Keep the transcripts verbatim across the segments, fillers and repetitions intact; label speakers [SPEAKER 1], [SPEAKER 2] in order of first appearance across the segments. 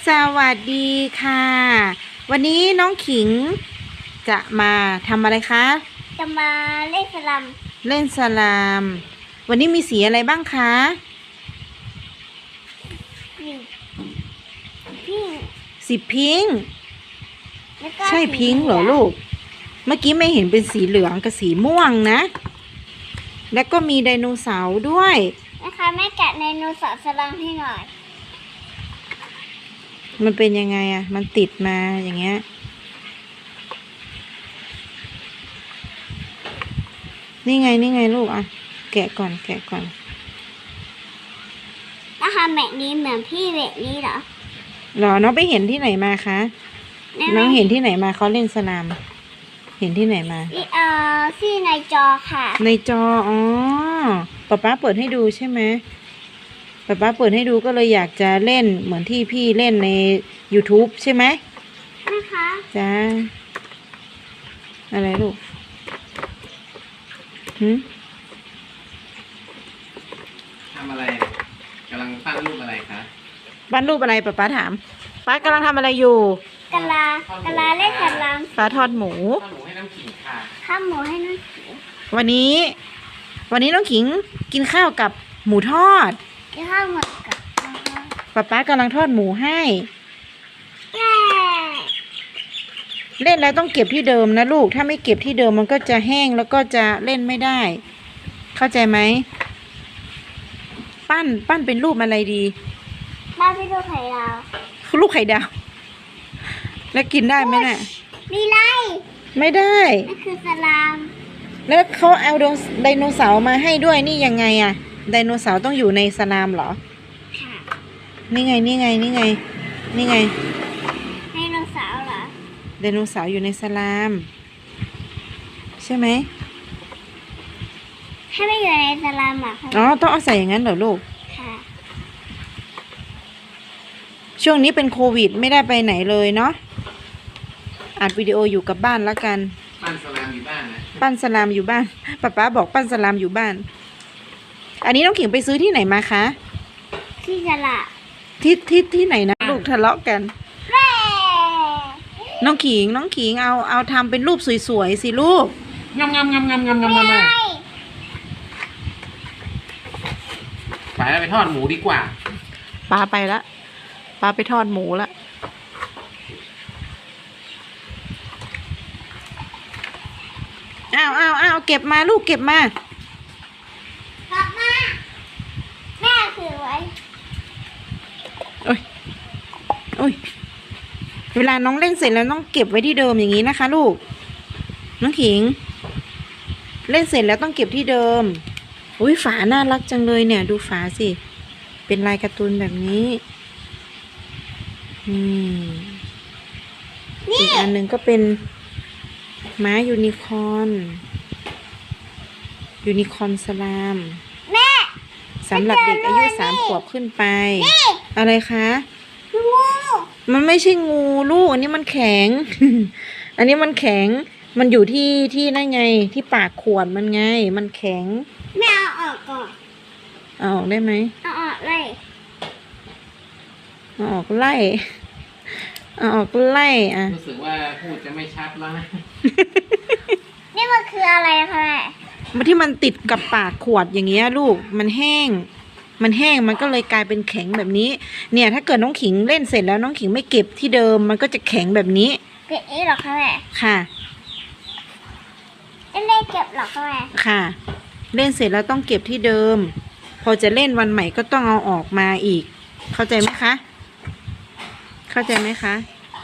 [SPEAKER 1] สวัสดีค่ะ วันนี้น้องขิงจะมาทำอะไรคะ
[SPEAKER 2] จะมาเล่นสลัม
[SPEAKER 1] เล่นสลาม วันนี้มีสีอะไรบ้างคะ
[SPEAKER 2] สีพิง
[SPEAKER 1] สีพิงค์ใช่พิงค์เหรอลูก เมื่อกี้ไม่เห็นเป็นสีเหลืองกับสีม่วงนะ แล้วก็มีไดโนเสาร์ด้วย
[SPEAKER 2] นะคะแม่แกะไดโนเสาร์สลัมให้หน่อย
[SPEAKER 1] มันเป็นยังไงอะมันติดมาอย่างเงี้ยนี่ไงนี่ไงลูกอะแกะก่อนแกะก่อน
[SPEAKER 2] นะคะแบบนี้เหมือนพี่แบบนี้เหรอ
[SPEAKER 1] หรอน้องไปเห็นที่ไหนมาคะน้องเห็นที่ไหนมาเขาเล่นสลามเห็นที่ไหนมา
[SPEAKER 2] เอ่อที่ในจอค่ะ
[SPEAKER 1] ในจออ๋อป๊าป๊าเปิดให้ดูใช่ไหมป๊าป๊าเปิดให้ดูก็เลยอยากจะเล่นเหมือนที่พี่เล่นใน YouTube ใช่ไหม
[SPEAKER 2] นะคะ
[SPEAKER 1] จ้าอะไรลูกหืม
[SPEAKER 3] ทำอะไรกำลังปั้นรูปอะไรคะ
[SPEAKER 1] ปั้นรูปอะไรป๊าป๊าถามป๊ากำลังทำอะไรอยู่
[SPEAKER 2] กะลากะลาเล่นสลัม
[SPEAKER 1] ป๊าทอดหมู
[SPEAKER 3] ทอดหมูให้น้ำขิงค่ะ
[SPEAKER 2] ข้าวหมูให้น้องขิง
[SPEAKER 1] วันนี้ วันนี้น้องขิงกินข้าวกับหมูทอด
[SPEAKER 2] กินข้าวหมูกับ
[SPEAKER 1] ป๊าป๊ากำลังทอดหมูให้
[SPEAKER 2] แม่
[SPEAKER 1] เล่นแล้วต้องเก็บที่เดิมนะลูกถ้าไม่เก็บที่เดิมมันก็จะแห้งแล้วก็จะเล่นไม่ได้ เข้าใจไหมปั้นปั้นเป็นรูปอะไรดี
[SPEAKER 2] บ้านพี่ลูกไข่ดาว
[SPEAKER 1] ลูกไข่ดาวแล้วกินได้ไหมน่ะ
[SPEAKER 2] มีไร
[SPEAKER 1] ไม่ได้
[SPEAKER 2] นั่นคือสลาม
[SPEAKER 1] แล้วเขาเอาไดโนเสาร์มาให้ด้วยนี่ยังไงอะไดโนเสาร์ต้องอยู่ในสลามเหรอ
[SPEAKER 2] ค่ะ
[SPEAKER 1] นี่ไงนี่ไงนี่ไงนี่ไง
[SPEAKER 2] ไดโนเสาร์เหรอ
[SPEAKER 1] ไดโนเสาร์อยู่ในสลามใช่ไหม
[SPEAKER 2] ให้ไม่อยู่ในสลามอ่ะ
[SPEAKER 1] อ๋อต้องเอาใส่อย่างนั้นเหรอลูก
[SPEAKER 2] ค่ะ
[SPEAKER 1] ช่วงนี้เป็นโควิดไม่ได้ไปไหนเลยเนาะอัดวิดีโออยู่กับบ้านแล้วกัน
[SPEAKER 3] ปั้นสลามอยู่บ้านนะ
[SPEAKER 1] ปั้นสลามอยู่บ้านป๊าป๊าบอกปั้นสลามอยู่บ้านอันนี้น้องขิงไปซื้อที่ไหนมาคะ
[SPEAKER 2] ที่ตลาด
[SPEAKER 1] ที่ที่ที่ไหนนะลูกทะเลาะกันน้องขิงน้องขิงเอาเอาทำเป็นรูปสวยๆสิลูก
[SPEAKER 3] งามงามงามงามงามงามงามไปแล้วไปทอดหมูดีกว่า
[SPEAKER 1] ป้าไปละป้าไปทอดหมูละอ้าวอ้าวอ้าวเก็บมาลูกเก็บม
[SPEAKER 2] ากลับมาแม่ถือไว้
[SPEAKER 1] โอ้ยโอ้ยเวลาน้องเล่นเสร็จแล้วต้องเก็บไว้ที่เดิมอย่างนี้นะคะลูกน้องขิงเล่นเสร็จแล้วต้องเก็บที่เดิมอุ้ยฝาน่ารักจังเลยเนี่ยดูฝาสิเป็นลายการ์ตูนแบบนี้อืมอีกอันหนึ่งก็เป็นม้ายูนิคอร์นยูนิคอร์นสลาม
[SPEAKER 2] แม่
[SPEAKER 1] สำหรับเด็กอายุสามขวบขึ้นไปอะไรคะ
[SPEAKER 2] งู
[SPEAKER 1] มันไม่ใช่งูลูกอันนี้มันแข็ง อันนี้มันแข็งมันอยู่ที่ที่นั่นไงที่ปากขวดมันไงมันแข็ง
[SPEAKER 2] แม่เอาออกก่อน
[SPEAKER 1] เอาออกได้ไหม
[SPEAKER 2] เอาออกเลย
[SPEAKER 1] เอาออกไล่เอาออกไล่อ่ะ
[SPEAKER 3] รู้สึกว่าพูดจะไม่ชัดแล้วนะ
[SPEAKER 2] นี่มันคืออะไรคะ
[SPEAKER 1] แม่มันที่มันติดกับปากขวดอย่างเงี้ยลูกมันแห้งมันแห้งมันก็เลยกลายเป็นแข็งแบบนี้เนี่ยถ้าเกิดน้องขิงเล่นเสร็จแล้วน้องขิงไม่เก็บที่เดิมมันก็จะแข็งแบบนี้
[SPEAKER 2] เก็บนี้หรอคะแม่
[SPEAKER 1] ค่ะ
[SPEAKER 2] เล่นเก็บหรอคะแม่
[SPEAKER 1] ค่ะเล่นเสร็จแล้วต้องเก็บที่เดิมพอจะเล่นวันใหม่ก็ต้องเอาออกมาอีกเข้าใจไหมคะเข้าใจไหมคะ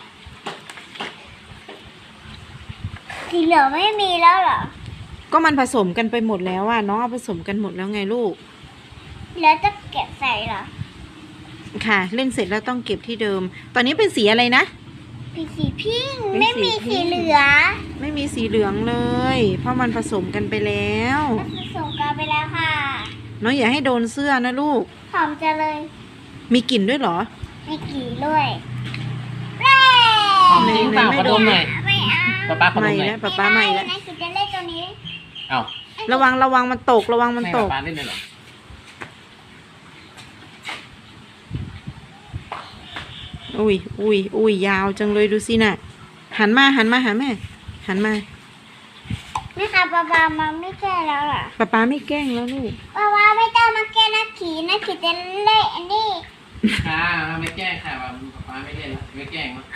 [SPEAKER 2] สีเหลืองไม่มีแล้วเหรอ
[SPEAKER 1] ก็มันผสมกันไปหมดแล้วอ่ะน้องเอาผสมกันหมดแล้วไงลูก
[SPEAKER 2] แล้วจะเก็บใส่เหรอ
[SPEAKER 1] ค่ะเล่นเสร็จแล้วต้องเก็บที่เดิมตอนนี้เป็นสีอะไรนะ
[SPEAKER 2] เป็นสีพิงค์ไม่มีสีเหลือง
[SPEAKER 1] ไม่มีสีเหลืองเลยเพราะมันผสมกันไปแล้ว
[SPEAKER 2] ผสมกันไปแล้วค่ะ
[SPEAKER 1] น้องอย่าให้โดนเสื้อนะลูก
[SPEAKER 2] หอมจังเลย
[SPEAKER 1] มีกลิ่นด้วยเหรอ
[SPEAKER 2] มีกลิ่นด้วย
[SPEAKER 3] หอมจริงเปล่าขอดมหน่อย
[SPEAKER 2] ไม่เอา
[SPEAKER 3] ป้าป้าขอดมหน่อย
[SPEAKER 1] ป้าป้าไม่แล้ว
[SPEAKER 2] นายคิดจะเล่นตัวนี้
[SPEAKER 3] เอ้า
[SPEAKER 1] ระวังระวังมันตกระวังมันตก
[SPEAKER 3] ป้าเล่นเลยเหรอ
[SPEAKER 1] โอุ้ยอุ้ยอุ้ยยาวจังเลยดูสิน่ะ หันมาหันมาหาแม่ หันมา
[SPEAKER 2] แม่คะปลาปลามันไม่แก้แล้วเหรอ
[SPEAKER 1] ป๊าป๊าไม่แกล้งแล้วลูก
[SPEAKER 2] ปลาปลาไม่ต้องมาแก้นักขี่นักขี่จะเละอันนี้
[SPEAKER 3] ค่ะไม่แกล้งค่ะว่าป๊าไม่เล่นละไม่แกล้งละ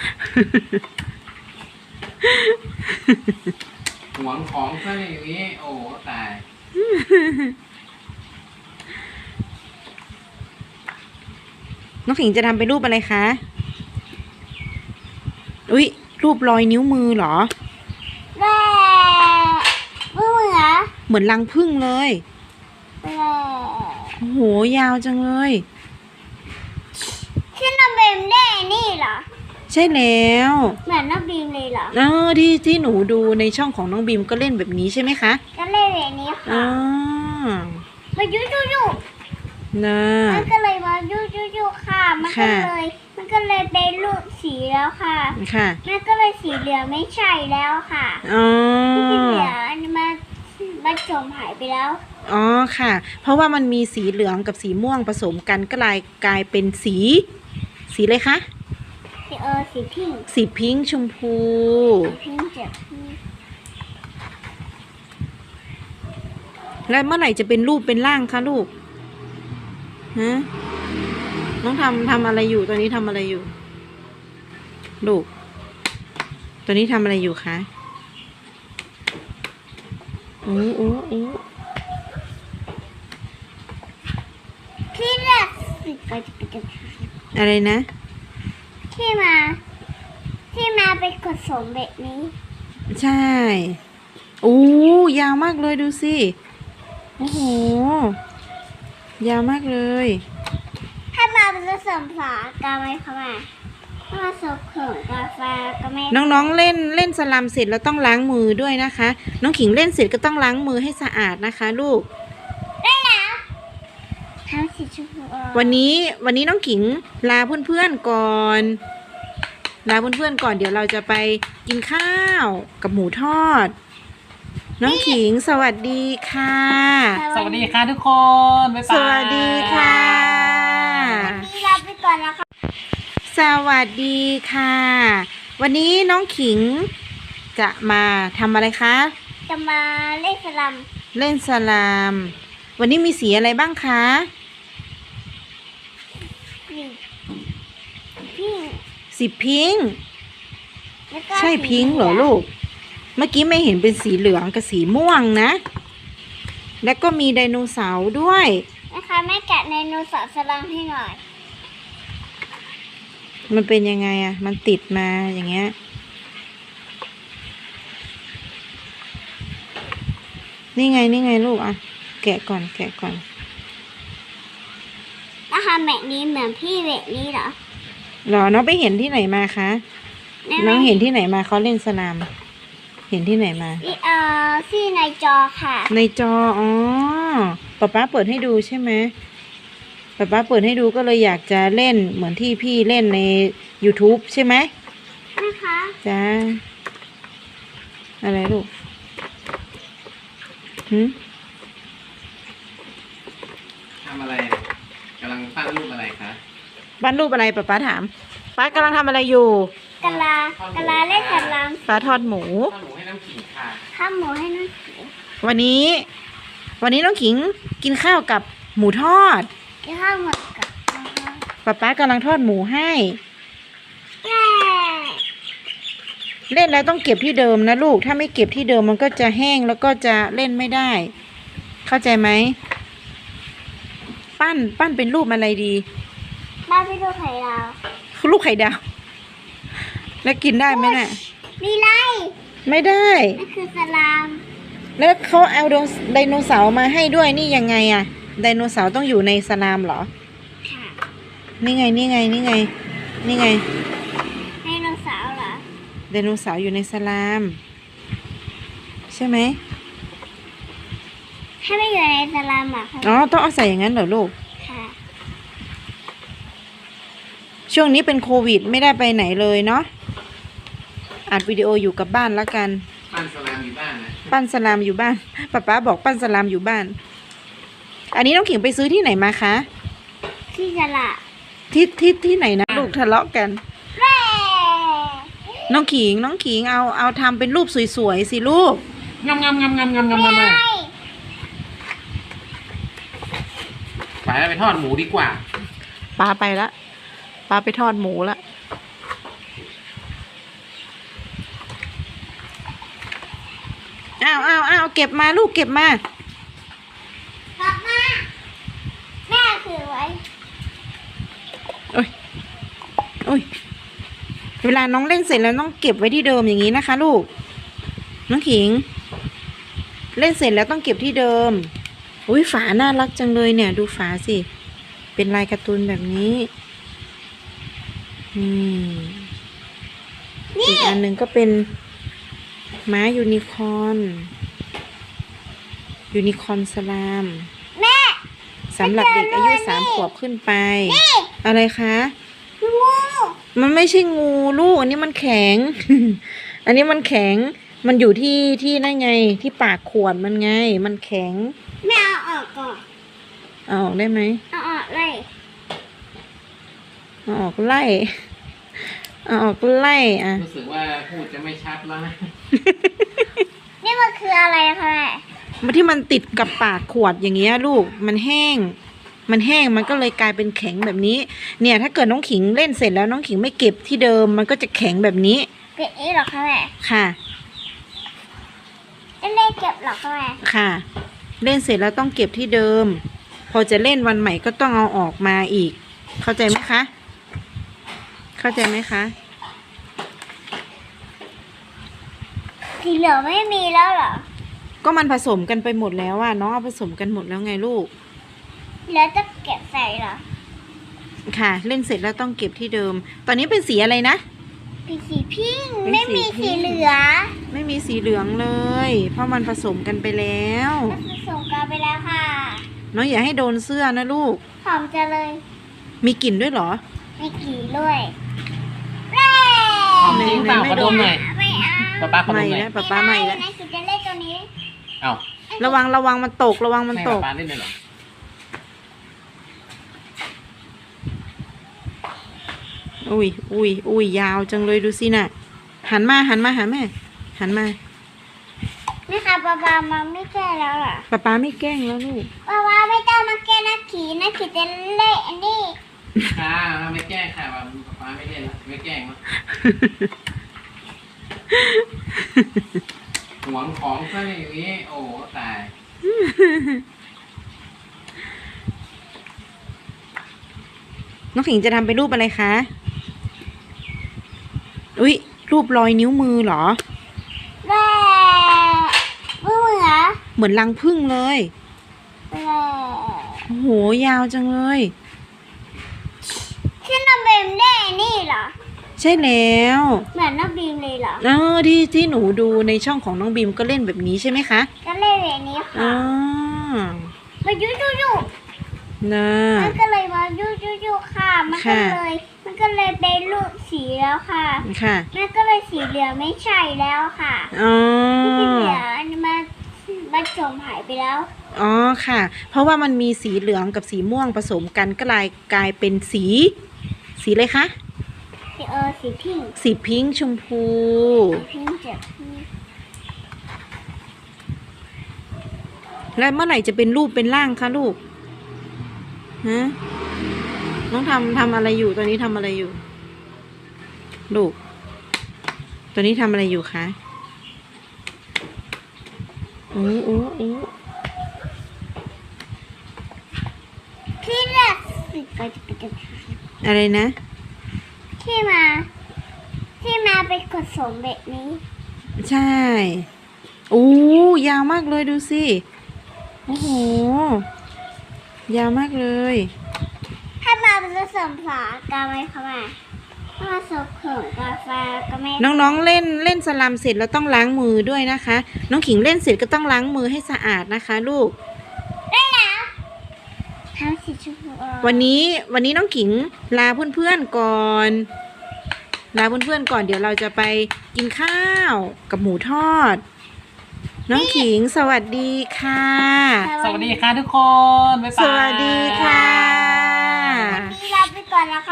[SPEAKER 3] หวงของซะอย่างนี้โอ้ตาย
[SPEAKER 1] น้องขิงจะทำเป็นรูปอะไรคะ อุ้ยรูปรอยนิ้วมือเหรอ
[SPEAKER 2] แร่มือเหมือ
[SPEAKER 1] เหมือนรังผึ้งเลย
[SPEAKER 2] แร่
[SPEAKER 1] โอ้โห ยาวจังเลย
[SPEAKER 2] ที่น้องบีมได้นี่เหรอ
[SPEAKER 1] ใช่แล้ว
[SPEAKER 2] เหมือนน้องบีมเลยเหรอ
[SPEAKER 1] เออที่ที่หนูดูในช่องของน้องบีมก็เล่นแบบนี้ใช่ไหมคะ
[SPEAKER 2] ก็เล่นแบบนี้
[SPEAKER 1] อ๋
[SPEAKER 2] ค่ะ
[SPEAKER 1] อ
[SPEAKER 2] มายุยุยุ
[SPEAKER 1] นะ
[SPEAKER 2] มันก็เลยมายุยุยุค่ะ มันก็
[SPEAKER 1] ค่ะ
[SPEAKER 2] เลย มันก็เลยเป็นรูปสีแล้วค่ะ
[SPEAKER 1] ค่ะ
[SPEAKER 2] มันก็เลยสีเหลืองไม่ใช่แล้วค่ะ
[SPEAKER 1] อ๋อ
[SPEAKER 2] ที่สีเหลืองอันนี้มันมันจมหายไปแล้ว
[SPEAKER 1] อ๋อค่ะ เพราะว่ามันมีสีเหลืองกับสีม่วงผสมกันก็เลยกลายเป็นสี สีอะไรคะ
[SPEAKER 2] สีเออสีพิงค์
[SPEAKER 1] สีพิงค์ชมพู
[SPEAKER 2] สีพิงค์เจ็บ
[SPEAKER 1] แล้วเมื่อไหร่จะเป็นรูปเป็นร่างคะลูก ฮะ น้องทำทำอะไรอยู่ ตอนนี้ทำอะไรอยู่ ลูก ตอนนี้ทำอะไรอยู่คะโอ้โอ้โอ้
[SPEAKER 2] ที่แรกสิไปจะไปจะ
[SPEAKER 1] อะไรนะ
[SPEAKER 2] ที่มา ที่มาเป็นผสมแบบนี้
[SPEAKER 1] ใช่โอ้ยาวมากเลยดูสิ โอ้โห ยาวมากเลย
[SPEAKER 2] ถ้ามาเป็นผสมฝากาไหมคะแม่ถ้ามาผสมเขินกาแฟก็ไม่
[SPEAKER 1] น้องๆเล่นเล่นสลัมเสร็จแล้วต้องล้างมือด้วยนะคะ น้องขิงเล่นเสร็จก็ต้องล้างมือให้สะอาดนะคะ ลูก
[SPEAKER 2] ได้แล้วทำสีชมพูอ่อน
[SPEAKER 1] วันนี้วันนี้น้องขิงลาเพื่อนๆก่อน ลาเพื่อนๆก่อนเดี๋ยวเราจะไปกินข้าวกับหมูทอด น้องขิงสวัสดีค่ะ
[SPEAKER 3] สวัสดีค่ะทุกคนบ๊ายบาย
[SPEAKER 1] สวัสดีค่ะ
[SPEAKER 2] วันนี้ลาไปก่อนนะคะ
[SPEAKER 1] สวัสดีค่ะ วันนี้น้องขิงจะมาทำอะไรคะ
[SPEAKER 2] จะมาเล่นสลัม
[SPEAKER 1] เล่นสลาม วันนี้มีสีอะไรบ้างคะ
[SPEAKER 2] สีพิงค์
[SPEAKER 1] สีพิงค์
[SPEAKER 2] แล้วก็
[SPEAKER 1] ใช่พิงค์เหรอลูก เมื่อกี้ไม่เห็นเป็นสีเหลืองกับสีม่วงนะ แล้วก็มีไดโนเสาร์ด้วย
[SPEAKER 2] นะคะแม่แกะไดโนเสาร์สลัมให้หน่อย
[SPEAKER 1] มันเป็นยังไงอะมันติดมาอย่างเงี้ย นี่ไงนี่ไงลูกอะแกะก่อนแกะก่อน
[SPEAKER 2] นะคะแบบนี้เหมือนพี่แบบนี้เหรอ
[SPEAKER 1] เหรอน้องไปเห็นที่ไหนมาคะ น้องเห็นที่ไหนมาเขาเล่นสลาม เห็นที่ไหนมา
[SPEAKER 2] ที่เอ่อที่ในจอค่ะ
[SPEAKER 1] ในจอ อ๋อป๊าป๊าเปิดให้ดูใช่ไหมป๊าป๊าเปิดให้ดูก็เลยอยากจะเล่นเหมือนที่พี่เล่นใน YouTube ใช่ไหม
[SPEAKER 2] นะคะ
[SPEAKER 1] จ้า อะไรลูกหืม
[SPEAKER 3] ทำอะไรกำลังปั้นรูปอะไรคะ
[SPEAKER 1] บ้านรูปอะไรป๊าป๊าถาม ป๊ากำลังทำอะไรอยู่
[SPEAKER 2] กะลากะลาเล่นสลัม
[SPEAKER 1] ป๊าทอดหมู
[SPEAKER 3] ทอดหมูให้น้ำขิงค่ะ
[SPEAKER 2] ข้าวหมูให้น้องเขียว
[SPEAKER 1] วันนี้ วันนี้น้องขิงกินข้าวกับหมูทอด
[SPEAKER 2] กินข้าวหมดกับนะคะ
[SPEAKER 1] ป๊าป๊ากำลังทอดหมูให้
[SPEAKER 2] แม่
[SPEAKER 1] เล่นแล้วต้องเก็บที่เดิมนะลูก ถ้าไม่เก็บที่เดิมมันก็จะแห้งแล้วก็จะเล่นไม่ได้ เข้าใจไหม ปั้น ปั้นเป็นรูปอะไรดี
[SPEAKER 2] บ้านพี่ดูไข่ดาว
[SPEAKER 1] รูปไข่ดาว แล้วกินได้ไหมน่ะ
[SPEAKER 2] มีไร
[SPEAKER 1] ไม่ได้
[SPEAKER 2] นั่นคือสลาม
[SPEAKER 1] แล้วเขาเอาไดโนเสาร์มาให้ด้วยนี่ยังไงอะไดโนเสาร์ต้องอยู่ในสลามเหรอ
[SPEAKER 2] ค่ะ
[SPEAKER 1] นี่ไงนี่ไงนี่ไง นี่ไง
[SPEAKER 2] ไดโนเสาร์เหรอ
[SPEAKER 1] ไดโนเสาร์อยู่ในสลาม ใช่ไหม
[SPEAKER 2] ให้ไม่อยู่ในสลามอ่ะค่ะ
[SPEAKER 1] อ๋อต้องเอาใส่อย่างนั้นเหรอลูก
[SPEAKER 2] ค่ะ
[SPEAKER 1] ช่วงนี้เป็นโควิดไม่ได้ไปไหนเลยเนาะอัดวิดีโออยู่กับบ้านแล้วกัน
[SPEAKER 3] ปั้นสลามอยู่บ้านนะ
[SPEAKER 1] ปั้นสลามอยู่บ้านป๊าป๊าบอกปั้นสลามอยู่บ้าน อันนี้น้องขิงไปซื้อที่ไหนมาคะ
[SPEAKER 2] ที่สละ
[SPEAKER 1] ทที่ที่ที่ไหนนะลูกทะเลาะกัน
[SPEAKER 2] แร่
[SPEAKER 1] น้องขิงน้องขิงเอาเอาทำเป็นรูปสวยๆสิลูก
[SPEAKER 3] งำงำงำงำงำงำงำ
[SPEAKER 2] ไม่
[SPEAKER 3] ไปแล้วไปทอดหมูดีกว่า
[SPEAKER 1] ปลาไปละปลาไปทอดหมูละอ้าวอ้าวอ้าวเก็บมาลูกเก็บมาก
[SPEAKER 2] ลับมาแม่ถือไว้
[SPEAKER 1] โอ้ยโอ้ยเวลาน้องเล่นเสร็จแล้วต้องเก็บไว้ที่เดิมอย่างนี้นะคะ ลูกน้องขิง เล่นเสร็จแล้วต้องเก็บที่เดิมอุ้ยฝาน่ารักจังเลยเนี่ย ดูฝาสิเป็นลายการ์ตูนแบบนี้อืมอีกอันหนึ่งก็เป็นม้ายูนิคอร์นยูนิคอร์นสลาม
[SPEAKER 2] แม่
[SPEAKER 1] สำหรับเด็กอายุสามขวบขึ้นไป
[SPEAKER 2] นี่
[SPEAKER 1] อะไรคะ
[SPEAKER 2] งู
[SPEAKER 1] มันไม่ใช่งูลูก อันนี้มันแข็ง อันนี้มันแข็ง มันอยู่ที่ที่นั่นไง ที่ปากขวดมันไง มันแข็ง
[SPEAKER 2] แม่เอาออกก่อน
[SPEAKER 1] เอาออกได้ไหม
[SPEAKER 2] เอาออกเลย
[SPEAKER 1] เอาออกไล่ เอาออกไล่อ่ะ
[SPEAKER 3] รู้สึกว่าพูดจะไม่ชัดแล้วนะ
[SPEAKER 2] นี่มันคืออะไรคะแม่
[SPEAKER 1] มันที่มันติดกับปากขวดอย่างเงี้ยลูก มันแห้ง มันแห้ง มันก็เลยกลายเป็นแข็งแบบนี้ เนี่ย ถ้าเกิดน้องขิงเล่นเสร็จแล้วน้องขิงไม่เก็บที่เดิม มันก็จะแข็งแบบนี้
[SPEAKER 2] เก็บนี้เหรอคะแม่
[SPEAKER 1] ค่ะ
[SPEAKER 2] ไม่ได้เก็บเหรอคะแม่
[SPEAKER 1] ค่ะ เล่นเสร็จแล้วต้องเก็บที่เดิม พอจะเล่นวันใหม่ก็ต้องเอาออกมาอีก เข้าใจไหมคะ เข้าใจไหมคะ
[SPEAKER 2] สีเหลืองไม่มีแล้วเหรอ
[SPEAKER 1] ก็มันผสมกันไปหมดแล้วอะน้องเอาผสมกันหมดแล้วไงลูก
[SPEAKER 2] แล้วจะเก็บใส่เหรอ
[SPEAKER 1] ค่ะ เล่นเสร็จแล้วต้องเก็บที่เดิม ตอนนี้เป็นสีอะไรนะ
[SPEAKER 2] เป็นสีพิงค์
[SPEAKER 1] เป็น
[SPEAKER 2] ไม่
[SPEAKER 1] สี
[SPEAKER 2] มี
[SPEAKER 1] พิ
[SPEAKER 2] สี
[SPEAKER 1] งค์
[SPEAKER 2] เหลือง
[SPEAKER 1] ไม่มีสีเหลืองเลย เพราะมันผสมกันไปแล้ว
[SPEAKER 2] มันผสมกันไปแล้วค่ะ
[SPEAKER 1] น้องอย่าให้โดนเสื้อนะลูก
[SPEAKER 2] หอมจะเลย
[SPEAKER 1] มีกลิ่นด้วยเหรอ
[SPEAKER 2] มีกี่ด้วยแร่
[SPEAKER 3] หอมจริงเปล่าขอดมหน่อย
[SPEAKER 2] ไม่เอา
[SPEAKER 3] ป้าป้าขอด
[SPEAKER 1] ไม่
[SPEAKER 3] มหน่อย
[SPEAKER 1] แล้วป๊าป๊าไม่แล้ว
[SPEAKER 2] นะคิดจะเล่นตัวนี้
[SPEAKER 3] เอ้า
[SPEAKER 1] ระวังระวังมันตก ระวังมัน
[SPEAKER 3] ให้
[SPEAKER 1] ต
[SPEAKER 3] ป้าก ป้าเล่นเลยเหรอ
[SPEAKER 1] อุ้ยอุ้ยอุ้ยยาวจังเลยดูสิน่ะ หันมาหันมาหาแม่ หันมา
[SPEAKER 2] นี่ค่ะปลาปลามาไม่แก้แล้วเหรอ
[SPEAKER 1] ป๊าป๊าไม่แกล้งแล้วลูก
[SPEAKER 2] ปลาปลาไม่ต้องมาแก้นักขี่นักขี่จะเล่นอันนี้
[SPEAKER 3] ค่ะไม่แกล้งค่ะป้าป้าไม่เล่นแล้วไม่แกล้งแล้วหวงของซะอย่างนี้ โอ้ตาย
[SPEAKER 1] น้องขิงจะทำเป็นรูปอะไรคะ อุ้ยรูปรอยนิ้วมือเหรอ
[SPEAKER 2] แร่ไม่เหมือน
[SPEAKER 1] เหมือนรังผึ้งเลย
[SPEAKER 2] แร่
[SPEAKER 1] โอ้โห ยาวจังเลย
[SPEAKER 2] ที่น้องบีมได้อันนี่เหรอ
[SPEAKER 1] ใช่แล้ว
[SPEAKER 2] เหมือนน้องบีมเลยเหรอ
[SPEAKER 1] เออที่ที่หนูดูในช่องของน้องบีมก็เล่นแบบนี้ใช่ไหมคะ
[SPEAKER 2] ก็เล่นแบบนี้
[SPEAKER 1] อ๋
[SPEAKER 2] ค่ะ
[SPEAKER 1] อ
[SPEAKER 2] มายุยุยุ
[SPEAKER 1] นะ
[SPEAKER 2] มันก็เลยมายุยุยุค่ะ มันก็
[SPEAKER 1] ค่ะ
[SPEAKER 2] เลย มันก็เลยเป็นรูปสีแล้วค่ะ
[SPEAKER 1] ค่ะ
[SPEAKER 2] มันก็เลยสีเหลืองไม่ใช่แล้วค่ะ
[SPEAKER 1] อ๋อ
[SPEAKER 2] ที่สีเหลืองอันนี้มันมันจมหายไปแล้ว
[SPEAKER 1] อ๋อค่ะ เพราะว่ามันมีสีเหลืองกับสีม่วงผสมกันก็เลยกลายเป็นสี สีอะไรคะ
[SPEAKER 2] สีเออสีพิงค์
[SPEAKER 1] สีพิงค์ชมพู
[SPEAKER 2] สีพิงค์จากที่
[SPEAKER 1] แล้วเมื่อไหร่จะเป็นรูปเป็นร่างคะลูก ฮะ น้องทำทำอะไรอยู่ ตอนนี้ทำอะไรอยู่ ลูก ตอนนี้ทำอะไรอยู่คะโอ้โอ้โอ้
[SPEAKER 2] ที่แรกสีก็จะเป็น
[SPEAKER 1] อะไรนะ
[SPEAKER 2] ที่มา ที่มาเป็นผสมแบบนี้
[SPEAKER 1] ใช่โอ้ยาวมากเลยดูสิ โอ้โห ยาวมากเลย
[SPEAKER 2] ถ้ามาเป็นผสมฝากาไหมคะแม่ถ้ามาผสมเขิงกาแฟก็ไม่
[SPEAKER 1] น้องๆเล่นเล่นสลัมเสร็จแล้วต้องล้างมือด้วยนะคะ น้องขิงเล่นเสร็จก็ต้องล้างมือให้สะอาดนะคะ ลูก
[SPEAKER 2] ได้แล้วทำสีชมพูอ่อน
[SPEAKER 1] วันนี้วันนี้น้องขิงลาเพื่อนๆก่อน ลาเพื่อนๆก่อนเดี๋ยวเราจะไปกินข้าวกับหมูทอด น้องขิงสวัสดีค่ะ
[SPEAKER 3] สวัสดีค่ะทุกคนบ๊ายบาย
[SPEAKER 1] สวัสดีค่ะ